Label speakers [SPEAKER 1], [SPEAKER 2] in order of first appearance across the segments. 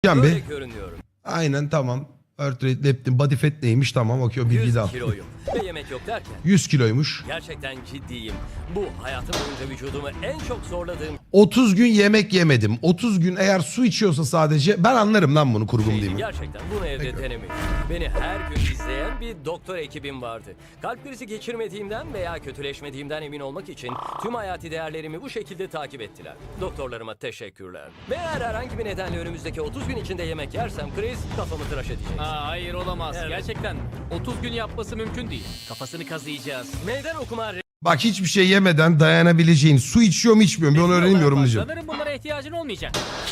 [SPEAKER 1] Böyle
[SPEAKER 2] Be.
[SPEAKER 1] görünüyorum.
[SPEAKER 2] Aynen tamam. Heart rate, leptin, body fat neymiş tamam okey o bilgiyi
[SPEAKER 1] 100
[SPEAKER 2] de al.
[SPEAKER 1] kiloyum ve yemek yok derken
[SPEAKER 2] 100 kiloymuş.
[SPEAKER 1] gerçekten ciddiyim. Bu hayatım boyunca vücudumu en çok zorladığım
[SPEAKER 2] 30 gün yemek yemedim. 30 gün eğer su içiyorsa sadece ben anlarım lan bunu kurgum değil
[SPEAKER 1] şeydi.
[SPEAKER 2] mi?
[SPEAKER 1] Gerçekten bunu evde
[SPEAKER 2] Peki.
[SPEAKER 1] denemedim. Beni her gün izleyen bir doktor ekibim vardı. Kalp krizi geçirmediğimden veya kötüleşmediğimden emin olmak için tüm hayati değerlerimi bu şekilde takip ettiler. Doktorlarıma teşekkürler. Ve eğer herhangi bir nedenle önümüzdeki 30 gün içinde yemek yersem kriz kafamı tıraş edecek.
[SPEAKER 3] Aa, hayır olamaz.
[SPEAKER 1] Evet.
[SPEAKER 3] Gerçekten 30 gün yapması mümkün değil. Kafasını kazıyacağız.
[SPEAKER 1] Meydan okuma
[SPEAKER 2] Bak hiçbir şey yemeden dayanabileceğin su içiyor mu içmiyor mu ben onu
[SPEAKER 3] Resmi
[SPEAKER 2] öğreneyim
[SPEAKER 3] olarak
[SPEAKER 2] yorumlayacağım.
[SPEAKER 3] Sanırım bunlara ihtiyacın olmayacak.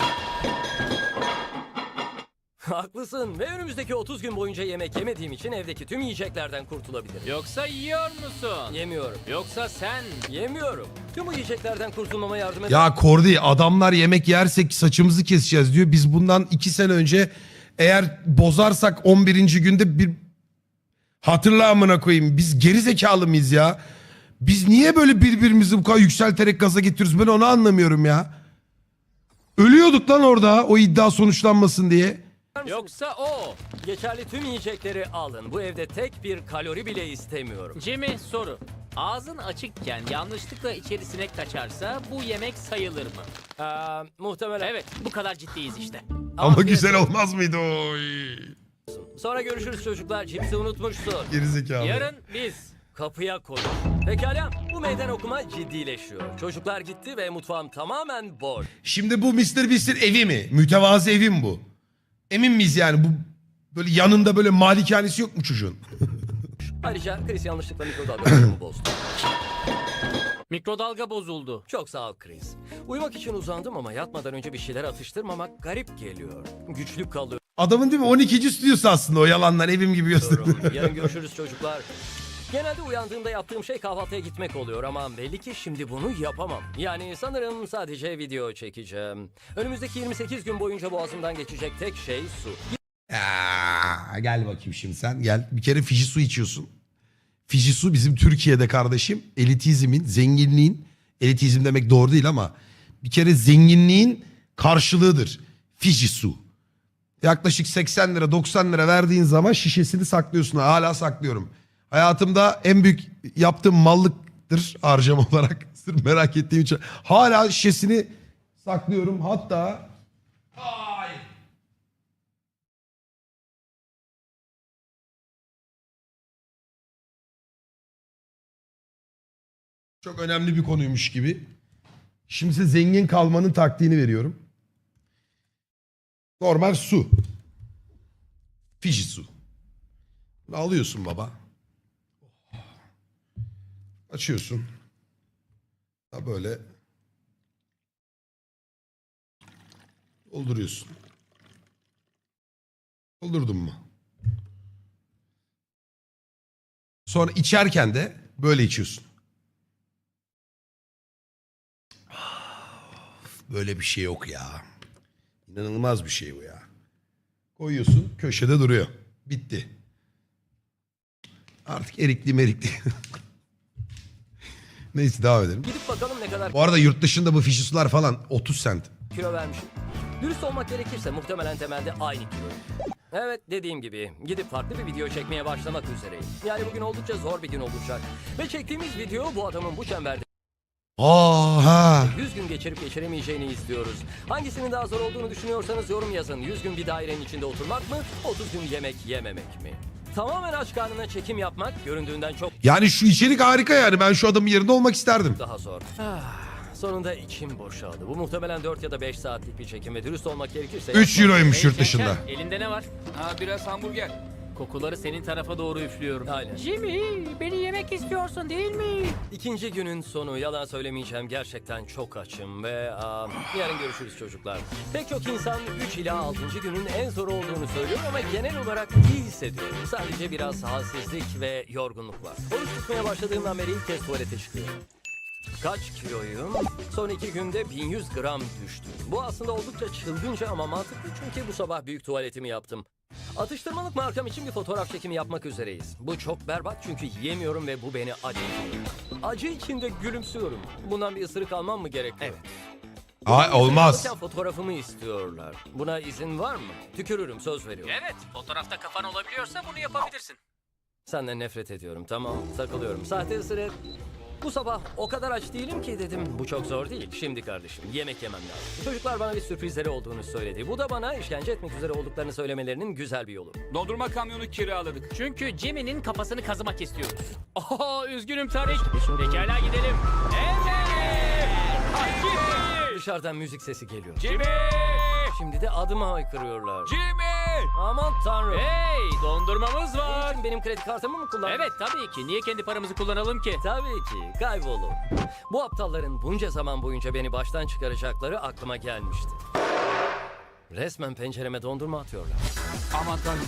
[SPEAKER 1] Haklısın ve önümüzdeki 30 gün boyunca yemek yemediğim için evdeki tüm yiyeceklerden kurtulabilirim.
[SPEAKER 3] Yoksa yiyor musun?
[SPEAKER 1] Yemiyorum.
[SPEAKER 3] Yoksa sen...
[SPEAKER 1] Yemiyorum. Tüm bu yiyeceklerden kurtulmama yardım et.
[SPEAKER 2] Ya Kordi adamlar yemek yersek saçımızı keseceğiz diyor. Biz bundan 2 sene önce eğer bozarsak 11. günde bir hatırla amına koyayım. Biz geri zekalı mıyız ya? Biz niye böyle birbirimizi bu kadar yükselterek gaza getiriyoruz? Ben onu anlamıyorum ya. Ölüyorduk lan orada o iddia sonuçlanmasın diye.
[SPEAKER 3] Yoksa o.
[SPEAKER 1] Geçerli tüm yiyecekleri alın. Bu evde tek bir kalori bile istemiyorum.
[SPEAKER 3] Jimmy soru. Ağzın açıkken yanlışlıkla içeri sinek kaçarsa bu yemek sayılır mı?
[SPEAKER 1] Muhtemelen.
[SPEAKER 3] Evet, bu kadar ciddiyiz işte.
[SPEAKER 2] Ama
[SPEAKER 1] Afiyet
[SPEAKER 2] güzel
[SPEAKER 1] olsun.
[SPEAKER 2] olmaz mıydı o?
[SPEAKER 1] Sonra görüşürüz çocuklar. Cipsi unutmuşsun.
[SPEAKER 2] Geri zekalı.
[SPEAKER 3] Yarın biz.
[SPEAKER 1] Kapıya koy. Pekala. Bu meydan okuma ciddileşiyor. Çocuklar gitti ve mutfağım tamamen boş.
[SPEAKER 2] Şimdi bu Mr. Beast'in evi mi? Mütevazı evi mi bu? Emin miyiz yani bu böyle yanında böyle malikanesi yok mu çocuğun?
[SPEAKER 1] Ayrıca Chris yanlışlıkla mikrodalgamı bozdu.
[SPEAKER 3] Mikrodalga bozuldu.
[SPEAKER 1] Çok sağ ol Chris. Uyumak için uzandım ama yatmadan önce bir şeyler atıştırmamak garip geliyor. Güçlü kalıyorum.
[SPEAKER 2] Adamın değil mi 12. stüdyosu aslında o yalanlar evim gibi gösteriyor.
[SPEAKER 1] Yarın görüşürüz çocuklar. Genelde uyandığımda yaptığım şey kahvaltıya gitmek oluyor ama belli ki şimdi bunu yapamam. Yani sanırım sadece video çekeceğim. Önümüzdeki 28 gün boyunca boğazımdan geçecek tek şey su.
[SPEAKER 2] Gel bakayım şimdi sen gel. Bir kere Fiji su içiyorsun. Fiji su bizim Türkiye'de kardeşim elitizmin, zenginliğin, elitizm demek doğru değil ama bir kere zenginliğin karşılığıdır. Fiji su. Yaklaşık 80 lira 90 lira verdiğin zaman şişesini saklıyorsun. Hala saklıyorum. Hayatımda en büyük yaptığım mallıktır harcama olarak. Sırf merak ettiğim için. Hala şişesini saklıyorum. Hatta... Ay. Çok önemli bir konuymuş gibi. Şimdi size zengin kalmanın taktiğini veriyorum. Normal su. Fiji su. Bunu alıyorsun baba. Açıyorsun. Ha böyle. Dolduruyorsun. Doldurdun mu? Sonra içerken de böyle içiyorsun. Böyle bir şey yok ya. İnanılmaz bir şey bu ya. Koyuyorsun köşede duruyor. Bitti. Artık erikli merikli. Neyse devam edelim.
[SPEAKER 1] Gidip bakalım ne kadar
[SPEAKER 2] Bu arada yurt dışında bu fişi sular falan 30 cent.
[SPEAKER 1] kilo vermişim. Dürüst olmak gerekirse muhtemelen temelde aynı kilo. Evet dediğim gibi gidip farklı bir video çekmeye başlamak üzereyim. Yani bugün oldukça zor bir gün olacak. Ve çektiğimiz video bu adamın bu çemberde
[SPEAKER 2] Ha.
[SPEAKER 1] 100 gün geçirip geçiremeyeceğini izliyoruz. Hangisinin daha zor olduğunu düşünüyorsanız yorum yazın. 100 gün bir dairenin içinde oturmak mı? 30 gün yemek yememek mi? Tamamen aç karnına çekim yapmak göründüğünden çok
[SPEAKER 2] Yani şu içerik harika yani. Ben şu adamın yerinde olmak isterdim.
[SPEAKER 1] daha zor. Sonunda içim boşaldı. Bu muhtemelen 4 ya da 5 saatlik bir çekim ve dürüst olmak gerekirse...
[SPEAKER 2] 3 euroymuş yurt dışında.
[SPEAKER 3] Şenken, elinde ne var?
[SPEAKER 4] Biraz hamburger.
[SPEAKER 3] Kokuları senin tarafa doğru üflüyorum.
[SPEAKER 1] Aynen.
[SPEAKER 3] Jimmy, beni yemek istiyorsun değil mi?
[SPEAKER 1] İkinci günün sonu yalan söylemeyeceğim gerçekten çok açım ve yarın görüşürüz çocuklar. Pek çok insan 3 ila 6. günün en zor olduğunu söylüyor ama genel olarak iyi hissediyorum. Sadece biraz halsizlik ve yorgunluk var. Oruç tutmaya başladığımdan beri ilk kez tuvalete çıkıyorum. Kaç kiloyum? Son 2 günde 1100 gram düştüm. Bu aslında oldukça çılgınca ama mantıklı çünkü bu sabah büyük tuvaletimi yaptım. Atıştırmalık markam için bir fotoğraf çekimi yapmak üzereyiz. Bu çok berbat çünkü yiyemiyorum ve bu beni acıtıyor. Acı içinde gülümsüyorum. Bundan bir ısırık almam mı gerekiyor? Evet.
[SPEAKER 2] Olmaz.
[SPEAKER 1] Fotoğrafımı istiyorlar. Buna izin var mı? Tükürürüm, söz veriyorum.
[SPEAKER 3] Evet, fotoğrafta kafan olabiliyorsa bunu yapabilirsin.
[SPEAKER 1] Senden nefret ediyorum, tamam, takılıyorum. Sahte ısırık. Bu sabah o kadar aç değilim ki dedim. Bu çok zor değil. Şimdi kardeşim yemek yemem lazım. Çocuklar bana bir sürprizleri olduğunu söyledi. Bu da bana işkence etmek üzere olduklarını söylemelerinin güzel bir yolu.
[SPEAKER 4] Dondurma kamyonu kiraladık.
[SPEAKER 3] Çünkü Jimmy'nin kafasını kazımak istiyoruz. Oho, üzgünüm Tarık. Pekala gidelim. Evet! Jimmy!
[SPEAKER 1] Dışarıdan müzik sesi geliyor.
[SPEAKER 3] Jimmy!
[SPEAKER 1] Şimdi de adıma haykırıyorlar.
[SPEAKER 4] Jimmy!
[SPEAKER 1] Aman tanrım.
[SPEAKER 3] Hey, dondurmamız
[SPEAKER 1] Bunun
[SPEAKER 3] var.
[SPEAKER 1] için benim kredi kartımı mı kullandın?
[SPEAKER 3] Evet, tabii ki. Niye kendi paramızı kullanalım ki?
[SPEAKER 1] Tabii ki. Kaybolun. Bu aptalların bunca zaman boyunca beni baştan çıkaracakları aklıma gelmişti. Resmen pencereme dondurma atıyorlar.
[SPEAKER 4] Aman tanrım.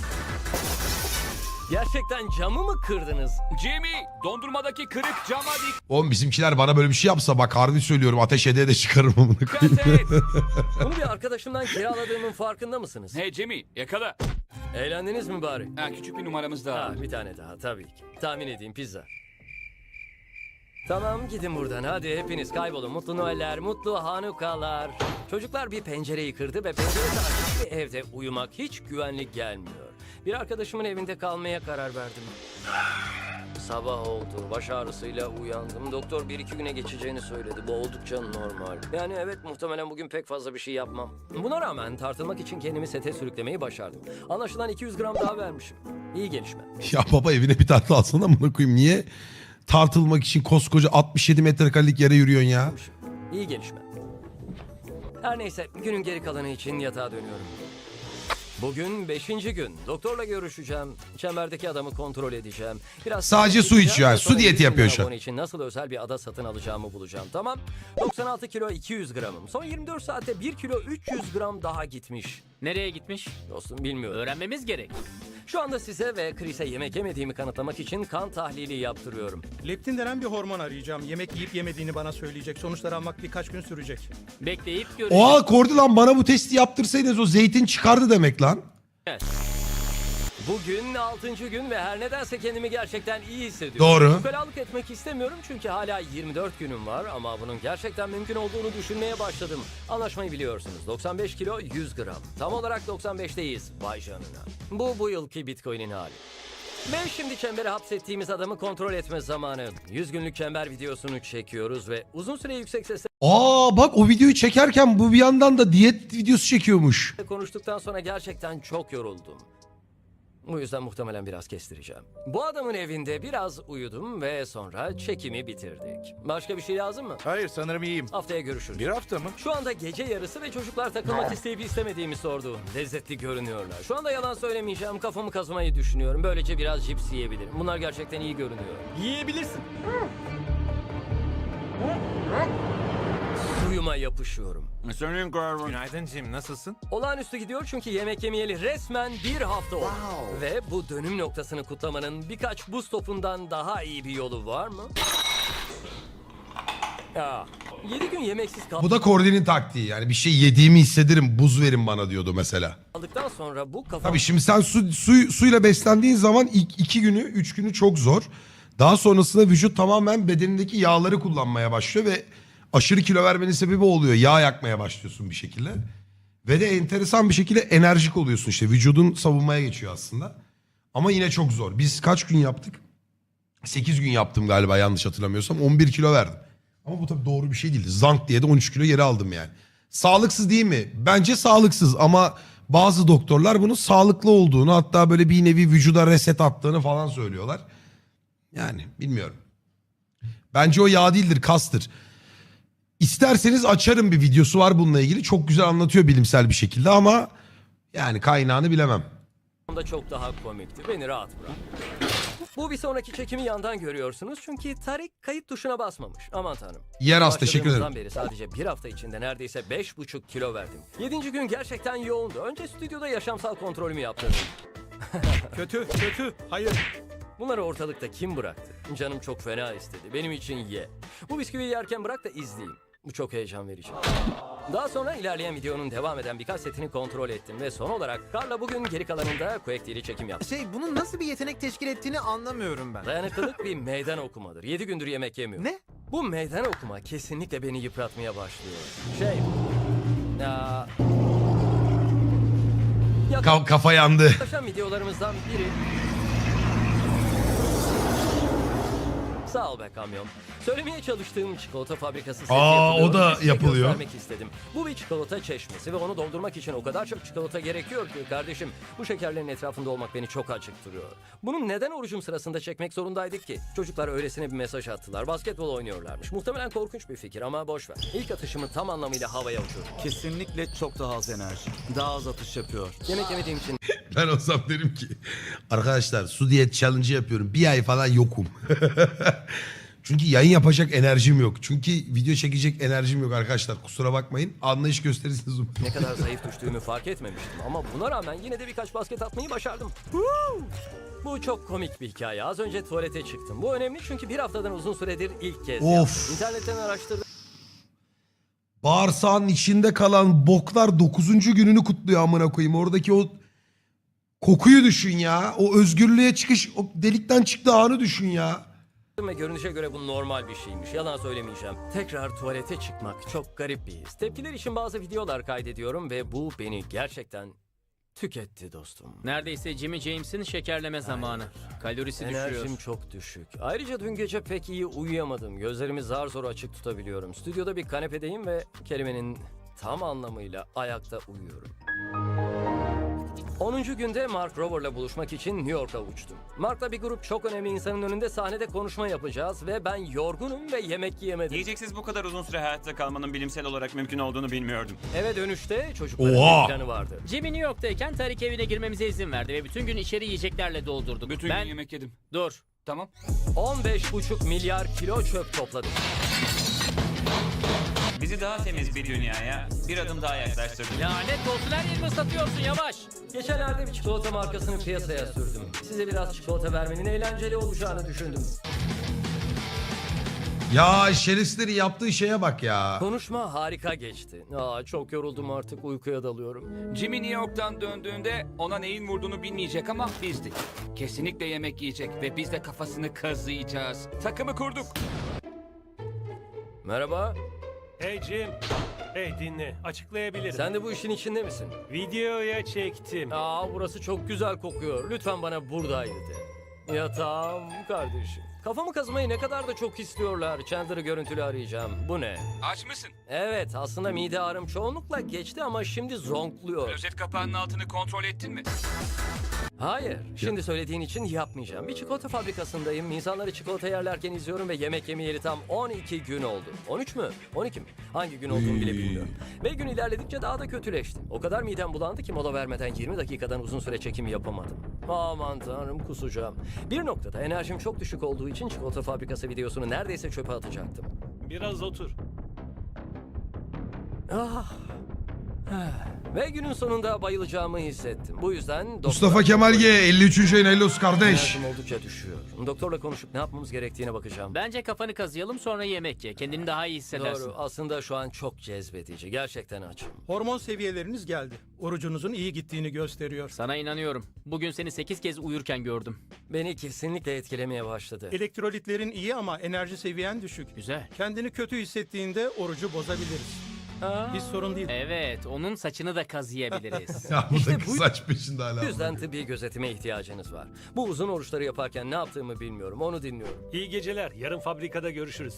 [SPEAKER 1] Gerçekten camı mı kırdınız?
[SPEAKER 4] Jimmy! Dondurmadaki kırık cama
[SPEAKER 2] Oğlum bizimkiler bana böyle bir şey yapsa bak harbi söylüyorum ateş edeye de çıkarım amına koyayım.
[SPEAKER 4] dikkat et.
[SPEAKER 1] Bunu bir arkadaşımdan kiraladığımın farkında mısınız?
[SPEAKER 4] Hey Jimmy yakala.
[SPEAKER 1] Eğlendiniz mi bari?
[SPEAKER 4] Ha, küçük bir numaramız daha.
[SPEAKER 1] Ha, bir tane daha tabii ki. Tahmin edeyim, pizza. Tamam, gidin buradan hadi, hepiniz kaybolun. Mutlu Noeller, mutlu Hanukalar. Çocuklar bir pencereyi kırdı ve penceresi açık bir evde uyumak hiç güvenli gelmiyor. Bir arkadaşımın evinde kalmaya karar verdim. Sabah oldu, baş ağrısıyla uyandım. Doktor 1-2 güne geçeceğini söyledi. Bu oldukça normal. Yani evet, muhtemelen bugün pek fazla bir şey yapmam. Buna rağmen tartılmak için kendimi sete sürüklemeyi başardım. Anlaşılan 200 gram daha vermişim. İyi gelişme.
[SPEAKER 2] Ya baba evine bir tartı alsana amına koyayım niye tartılmak için koskoca 67 metrekarelik yere yürüyorsun ya?
[SPEAKER 1] İyi gelişme. Her neyse, günün geri kalanı için yatağa dönüyorum. Bugün 5. gün. Doktorla görüşeceğim. Çemberdeki adamı kontrol edeceğim. Biraz
[SPEAKER 2] Sadece su
[SPEAKER 1] içeceğim
[SPEAKER 2] içiyor yani.
[SPEAKER 1] ve sonra
[SPEAKER 2] Su diyeti
[SPEAKER 1] 100 bin
[SPEAKER 2] yapıyor şu an.
[SPEAKER 1] abone için nasıl özel bir ada satın alacağımı bulacağım. Tamam. 96 kilo 200 gramım. Son 24 saatte 1 kilo 300 gram daha gitmiş.
[SPEAKER 3] Nereye gitmiş?
[SPEAKER 1] Dostum bilmiyorum.
[SPEAKER 3] Öğrenmemiz gerek.
[SPEAKER 1] Şu anda size ve Chris'e yemek yemediğimi kanıtlamak için kan tahlili yaptırıyorum.
[SPEAKER 5] Leptin denen bir hormon arayacağım. Yemek yiyip yemediğini bana söyleyecek. Sonuçları almak birkaç gün sürecek.
[SPEAKER 3] Bekleyip göreceğiz.
[SPEAKER 2] Oha Kordi lan bana bu testi yaptırsaydınız o zeytin çıkardı demek lan.
[SPEAKER 1] Bugün 6. gün ve her nedense kendimi gerçekten iyi hissediyorum.
[SPEAKER 2] Doğru.
[SPEAKER 1] Ukalalık etmek istemiyorum çünkü hala 24 günüm var ama bunun gerçekten mümkün olduğunu düşünmeye başladım. Anlaşmayı biliyorsunuz. 95 kilo 100 gram. Tam olarak 95'teyiz. Vay canına. Bu yılki Bitcoin'in hali. Ve şimdi çembere hapsettiğimiz adamı kontrol etme zamanı. 100 günlük çember videosunu çekiyoruz ve uzun süre yüksek sesle
[SPEAKER 2] Bak o videoyu çekerken bu bir yandan da diyet videosu çekiyormuş.
[SPEAKER 1] konuştuktan sonra gerçekten çok yoruldum. Bu yüzden muhtemelen biraz kestireceğim. Bu adamın evinde biraz uyudum ve sonra çekimi bitirdik. Başka bir şey lazım mı?
[SPEAKER 6] Hayır sanırım iyiyim.
[SPEAKER 1] Haftaya görüşürüz.
[SPEAKER 6] Bir hafta mı?
[SPEAKER 1] Şu anda gece yarısı ve çocuklar takılmak isteyip istemediğimi sordu. Lezzetli görünüyorlar. Şu anda yalan söylemeyeceğim. Kafamı kazımayı düşünüyorum. Böylece biraz cips yiyebilirim. Bunlar gerçekten iyi görünüyor.
[SPEAKER 5] Yiyebilirsin.
[SPEAKER 1] Suyuma yapışıyorum.
[SPEAKER 4] Senin Garvin.
[SPEAKER 6] Günaydın Jim, nasılsın?
[SPEAKER 1] Olağanüstü gidiyor çünkü yemek yemeyeli resmen bir hafta oldu. Ve bu dönüm noktasını kutlamanın birkaç buz topundan daha iyi bir yolu var mı? Ya, 7 gün yemeksiz
[SPEAKER 2] Bu da Kordi'nin taktiği yani bir şey yediğimi hissederim buz verin bana diyordu mesela.
[SPEAKER 1] kaldıktan sonra bu kafam...
[SPEAKER 2] Tabii şimdi sen suyla beslendiğin zaman ilk 2 günü 3 günü çok zor. Daha sonrasında vücut tamamen bedenindeki yağları kullanmaya başlıyor ve aşırı kilo vermenin sebebi oluyor. Yağ yakmaya başlıyorsun bir şekilde. Ve de enteresan bir şekilde enerjik oluyorsun işte. Vücudun savunmaya geçiyor aslında. Ama yine çok zor. Biz kaç gün yaptık? 8 gün yaptım galiba yanlış hatırlamıyorsam. 11 kilo verdim. Ama bu tabii doğru bir şey değildi. Zank diye de 13 kilo geri aldım yani. Sağlıksız değil mi? Bence sağlıksız ama bazı doktorlar bunun sağlıklı olduğunu hatta böyle bir nevi vücuda reset attığını falan söylüyorlar. Yani bilmiyorum. Bence o yağ değildir, kastır. İsterseniz açarım bir videosu var bununla ilgili. Çok güzel anlatıyor bilimsel bir şekilde ama yani kaynağını bilemem.
[SPEAKER 1] da çok daha komikti. Beni rahat bırak. Bu bir sonraki çekimi yandan görüyorsunuz çünkü Tarık kayıt tuşuna basmamış. Aman tanrım.
[SPEAKER 2] Yeraz teşekkür ederim.
[SPEAKER 1] Başladığımızdan beri sadece bir hafta içinde neredeyse 5,5 kilo verdim. 7. gün gerçekten yoğundu. Önce stüdyoda yaşamsal kontrolümü yaptırdım.
[SPEAKER 5] Kötü. Hayır.
[SPEAKER 1] Bunları ortalıkta kim bıraktı? Canım çok fena istedi. Benim için ye. Bu bisküviyi yerken bırak da izleyeyim. Bu çok heyecan verici. Daha sonra ilerleyen videonun devam eden birkaç setini kontrol ettim ve son olarak Karla bugün geri kalanında Quake ile çekim yaptı.
[SPEAKER 7] Bunun nasıl bir yetenek teşkil ettiğini anlamıyorum ben.
[SPEAKER 1] Dayanıklılık bir meydan okumadır. 7 gündür yemek yemiyor.
[SPEAKER 7] Ne?
[SPEAKER 1] Bu meydan okuma kesinlikle beni yıpratmaya başlıyor. Ya,
[SPEAKER 2] Kafa yandı.
[SPEAKER 1] yaklaşan videolarımızdan biri. Sağ ol be kamyon. Söylemeye çalıştığım çikolata fabrikası seti yapılıyor.
[SPEAKER 2] o da
[SPEAKER 1] Size
[SPEAKER 2] yapılıyor.
[SPEAKER 1] göstermek istedim. Bu bir çikolata çeşmesi ve onu doldurmak için o kadar çok çikolata gerekiyor ki kardeşim. Bu şekerlerin etrafında olmak beni çok acıktırıyor. Bunu neden orucum sırasında çekmek zorundaydık ki? Çocuklar öylesine bir mesaj attılar. Basketbol oynuyorlarmış. Muhtemelen korkunç bir fikir ama boş ver. İlk atışımı tam anlamıyla havaya uçurdum.
[SPEAKER 6] Kesinlikle çok daha az enerji. Daha az atış yapıyor.
[SPEAKER 1] Yemek yemediğim için
[SPEAKER 2] Ben olsam derim ki arkadaşlar su diyet challenge yapıyorum. Bir ay falan yokum. Çünkü yayın yapacak enerjim yok. Çünkü video çekecek enerjim yok arkadaşlar. Kusura bakmayın. Anlayış gösterirsiniz.
[SPEAKER 1] ne kadar zayıf düştüğümü fark etmemiştim. Ama buna rağmen yine de birkaç basket atmayı başardım. Bu çok komik bir hikaye. Az önce tuvalete çıktım. Bu önemli çünkü bir haftadan uzun süredir ilk kez
[SPEAKER 2] Of.
[SPEAKER 1] yaptım. İnternetten araştırdım.
[SPEAKER 2] Bağırsağın içinde kalan boklar 9. gününü kutluyor amına koyayım. Oradaki o kokuyu düşün ya. O özgürlüğe çıkış, o delikten çıktığı anı düşün ya.
[SPEAKER 1] Ve görünüşe göre bu normal bir şeymiş. Yalan söylemeyeceğim. Tekrar tuvalete çıkmak çok garip bir his. Tepkiler için bazı videolar kaydediyorum ve bu beni gerçekten tüketti dostum.
[SPEAKER 3] Neredeyse Jimmy James'in şekerleme zamanı. Kalorisi düşüyor.
[SPEAKER 1] Enerjim çok düşük. Ayrıca dün gece pek iyi uyuyamadım. Gözlerimi zar zor açık tutabiliyorum. Stüdyoda bir kanepedeyim ve kelimenin tam anlamıyla ayakta uyuyorum. 10. günde Mark Rober'la buluşmak için New York'a uçtum. Mark'la bir grup çok önemli insanın önünde sahnede konuşma yapacağız ve ben yorgunum ve yemek yiyemedim.
[SPEAKER 8] Yiyeceksiz bu kadar uzun süre hayatta kalmanın bilimsel olarak mümkün olduğunu bilmiyordum.
[SPEAKER 1] Eve dönüşte çocukların
[SPEAKER 2] Oha!
[SPEAKER 1] bir planı vardı.
[SPEAKER 3] Jimmy New York'tayken Tarik evine girmemize izin verdi ve bütün gün içeri yiyeceklerle doldurduk.
[SPEAKER 4] Bütün
[SPEAKER 3] ben...
[SPEAKER 4] gün yemek yedim.
[SPEAKER 3] Dur.
[SPEAKER 4] Tamam.
[SPEAKER 1] 15,5 milyar kilo çöp topladık.
[SPEAKER 8] Bizi daha temiz bir dünyaya bir adım daha yaklaştırdı.
[SPEAKER 3] Lanet olsun, her yerimi ıslatıyorsun, yavaş.
[SPEAKER 1] Geçenlerde bir çikolata markasını piyasaya sürdüm. Size biraz çikolata vermenin eğlenceli olacağını düşündüm.
[SPEAKER 2] Ya şerefsizlerin yaptığı şeye bak ya.
[SPEAKER 1] Konuşma harika geçti. Çok yoruldum artık, uykuya dalıyorum.
[SPEAKER 4] Jimmy New York'tan döndüğünde ona neyin vurduğunu bilmeyecek ama bizdik. Kesinlikle yemek yiyecek ve biz de kafasını kazıyacağız. Takımı kurduk.
[SPEAKER 1] Merhaba,
[SPEAKER 9] Hey Jim. Hey dinle. Açıklayabilirim.
[SPEAKER 1] sen de bu işin içinde misin?
[SPEAKER 9] Videoya çektim.
[SPEAKER 1] Burası çok güzel kokuyor. Lütfen bana buradaydı de. Yatağım kardeşim. Kafamı kazımayı ne kadar da çok istiyorlar. Chandler'ı görüntülü arayacağım. Bu ne?
[SPEAKER 4] Aç mısın?
[SPEAKER 1] Evet, aslında mide ağrım çoğunlukla geçti ama şimdi zonkluyor.
[SPEAKER 4] Klozet kapağının altını kontrol ettin mi?
[SPEAKER 1] Hayır, şimdi söylediğin için yapmayacağım. Bir çikolata fabrikasındayım. İnsanları çikolata yerlerken izliyorum ve yemek yemeyeli tam 12 gün oldu. 13 mü? 12 mi? Hangi gün olduğunu bile bilmiyorum. Ve gün ilerledikçe daha da kötüleşti. O kadar midem bulandı ki mola vermeden 20 dakikadan uzun süre çekim yapamadım. Aman tanrım, kusacağım. Bir noktada enerjim çok düşük olduğu için çikolata fabrikası videosunu neredeyse çöpe atacaktım.
[SPEAKER 9] Biraz otur.
[SPEAKER 1] Ve günün sonunda bayılacağımı hissettim. Bu yüzden
[SPEAKER 2] Mustafa Kemal G 53. ayın hayırlı olsun kardeş.
[SPEAKER 1] enerjim oldukça düşüyor. Doktorla konuşup ne yapmamız gerektiğine bakacağım.
[SPEAKER 3] Bence kafanı kazıyalım, sonra yemek ye. Kendini daha iyi hissedersin.
[SPEAKER 1] Doğru. Aslında şu an çok cezbedici. Gerçekten açım.
[SPEAKER 5] Hormon seviyeleriniz geldi. Orucunuzun iyi gittiğini gösteriyor.
[SPEAKER 3] Sana inanıyorum. Bugün seni 8 kez uyurken gördüm.
[SPEAKER 1] Beni kesinlikle etkilemeye başladı.
[SPEAKER 5] Elektrolitlerin iyi ama enerji seviyen düşük.
[SPEAKER 3] Güzel.
[SPEAKER 5] Kendini kötü hissettiğinde orucu bozabiliriz. Hiç sorun değil.
[SPEAKER 3] Evet, onun saçını da kazıyabiliriz.
[SPEAKER 2] Ya bu
[SPEAKER 1] İşte
[SPEAKER 2] da
[SPEAKER 1] bu
[SPEAKER 2] saç peşinde hala.
[SPEAKER 1] Bu yüzden tıbbi gözetime ihtiyacınız var. Bu uzun oruçları yaparken ne yaptığımı bilmiyorum. Onu dinliyorum.
[SPEAKER 9] İyi geceler. Yarın fabrikada görüşürüz.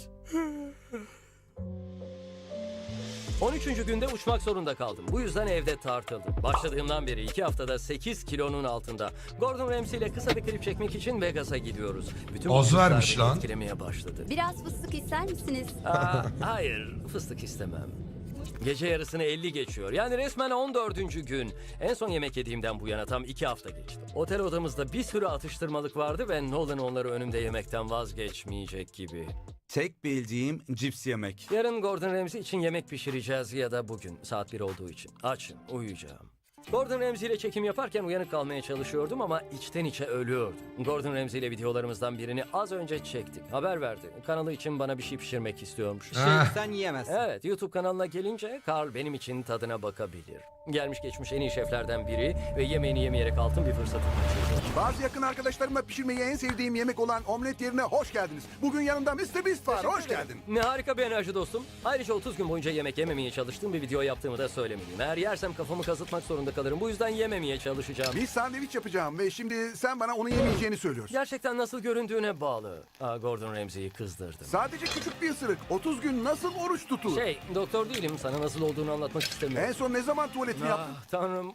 [SPEAKER 1] 13. günde uçmak zorunda kaldım. Bu yüzden evde tartıldım. Başladığımdan beri 2 haftada 8 kilonun altında. Gordon Ramsay ile kısa bir klip çekmek için Vegas'a gidiyoruz. Bütün bu
[SPEAKER 2] Az
[SPEAKER 1] hususlar
[SPEAKER 2] vermiş
[SPEAKER 1] beni
[SPEAKER 2] lan.
[SPEAKER 1] etkilemeye başladı.
[SPEAKER 10] Biraz fıstık ister misiniz?
[SPEAKER 1] Hayır, fıstık istemem. Gece yarısını 50 geçiyor. Yani resmen 14. gün. En son yemek yediğimden bu yana tam 2 hafta geçti. Otel odamızda bir sürü atıştırmalık vardı ve Nolan onları önümde yemekten vazgeçmeyecek gibi.
[SPEAKER 6] Tek bildiğim cips yemek.
[SPEAKER 1] Yarın Gordon Ramsay için yemek pişireceğiz ya da bugün saat 1 olduğu için. Açım, uyuyacağım. Gordon Ramsay ile çekim yaparken uyanık kalmaya çalışıyordum ama içten içe ölüyordum. Gordon Ramsay ile videolarımızdan birini az önce çektik. Haber verdi. Kanalı için bana bir şey pişirmek istiyormuş.
[SPEAKER 2] Ah.
[SPEAKER 7] Sen yiyemezsin.
[SPEAKER 1] Evet, YouTube kanalına gelince Carl benim için tadına bakabilir. Gelmiş geçmiş en iyi şeflerden biri ve yemeğini yemeyerek altın bir fırsatı kaçırdı.
[SPEAKER 11] Bazı yakın arkadaşlarımla pişirmeyi en sevdiğim yemek olan omlet yerine hoş geldiniz. Bugün yanımda Mr. Beast var. Hoş geldin.
[SPEAKER 1] Ne harika bir enerji dostum. Ayrıca 30 gün boyunca yemek yememeye çalıştığım bir video yaptığımı da söylemeliyim. Eğer yersem kafamı kazıtmak zorunda kalırım. Bu yüzden yememeye çalışacağım.
[SPEAKER 11] Bir sandviç yapacağım ve şimdi sen bana onu yemeyeceğini söylüyorsun.
[SPEAKER 1] Gerçekten nasıl göründüğüne bağlı. Gordon Ramsay'i kızdırdım.
[SPEAKER 11] Sadece küçük bir ısırık. 30 gün nasıl oruç tutulur?
[SPEAKER 1] Doktor değilim. Sana nasıl olduğunu anlatmak istemiyorum.
[SPEAKER 11] En son ne zaman tuvaletini yaptın?
[SPEAKER 1] Tanrım.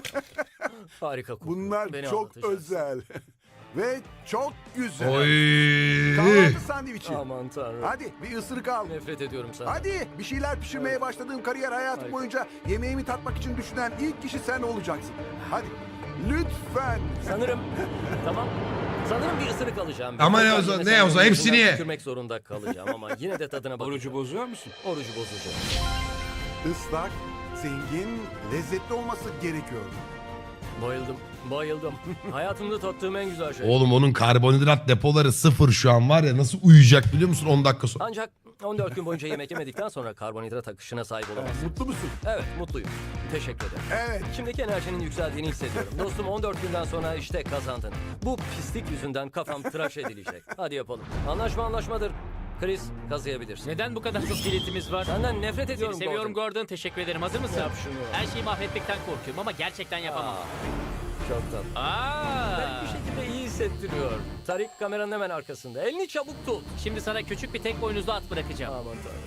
[SPEAKER 1] Harika kokuyor.
[SPEAKER 11] Bunlar
[SPEAKER 1] Beni
[SPEAKER 11] çok
[SPEAKER 1] anlatacağız.
[SPEAKER 11] özel. Ve çok güzel.
[SPEAKER 2] Oy.
[SPEAKER 11] Kahvaltı sandviçi.
[SPEAKER 1] Aman tanrım.
[SPEAKER 11] Hadi bir ısırık al.
[SPEAKER 1] Nefret ediyorum sana.
[SPEAKER 11] Hadi bir şeyler pişirmeye başladığım kariyer hayatım
[SPEAKER 1] Harika.
[SPEAKER 11] boyunca yemeğimi tatmak için düşünen ilk kişi sen olacaksın. Hadi lütfen.
[SPEAKER 1] Sanırım. Tamam. Sanırım bir ısırık alacağım.
[SPEAKER 2] Ama
[SPEAKER 1] Bir
[SPEAKER 2] ne o
[SPEAKER 1] ısırık
[SPEAKER 2] zaman,
[SPEAKER 1] yemesem
[SPEAKER 2] ne o zaman?
[SPEAKER 1] bile
[SPEAKER 2] Hepsini
[SPEAKER 1] bundan
[SPEAKER 2] ye.
[SPEAKER 1] tükürmek zorunda kalacağım ama yine de tadına bakacağım.
[SPEAKER 4] Orucu bozuyor musun?
[SPEAKER 1] Orucu bozacağım.
[SPEAKER 11] Islak, zengin, lezzetli olması gerekiyor.
[SPEAKER 1] Bayıldım. Bayıldım. Hayatımda tattığım en güzel şey.
[SPEAKER 2] Oğlum onun karbonhidrat depoları sıfır şu an var ya, nasıl uyuyacak biliyor musun 10 dakika sonra.
[SPEAKER 1] Ancak 14 gün boyunca yemek yemedikten sonra karbonhidrat akışına sahip olamazsın.
[SPEAKER 11] Mutlu musun?
[SPEAKER 1] Evet, mutluyum. Teşekkür ederim.
[SPEAKER 11] Evet.
[SPEAKER 1] İçimdeki enerjinin yükseldiğini hissediyorum. Dostum 14 günden sonra işte kazandın. Bu pislik yüzünden kafam tıraş edilecek. Hadi yapalım. Anlaşma anlaşmadır. Chris, kazıyabilirsin.
[SPEAKER 3] Neden bu kadar çok biletimiz var?
[SPEAKER 1] Senden nefret
[SPEAKER 3] Seni
[SPEAKER 1] ediyorum
[SPEAKER 3] seviyorum
[SPEAKER 1] Gordon.
[SPEAKER 3] Gordon. Teşekkür ederim. Hazır mısın?
[SPEAKER 1] Yap şunu.
[SPEAKER 3] Her şeyi mahvetmekten korkuyorum ama gerçekten yapamam.
[SPEAKER 1] Çok tatlı. Garip bir şekilde iyi hissettiriyor. Tarik kameranın hemen arkasında. Elini çabuk tut.
[SPEAKER 3] Şimdi sana küçük bir tek boynuzlu at bırakacağım.
[SPEAKER 1] Aman tanrım.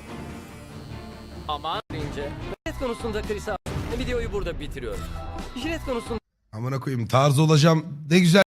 [SPEAKER 3] Aman.
[SPEAKER 1] Deyince. Jilet konusunda Chris'e videoyu burada bitiriyorum. Jilet konusunda
[SPEAKER 2] Amına koyayım, tarz olacağım ne güzel.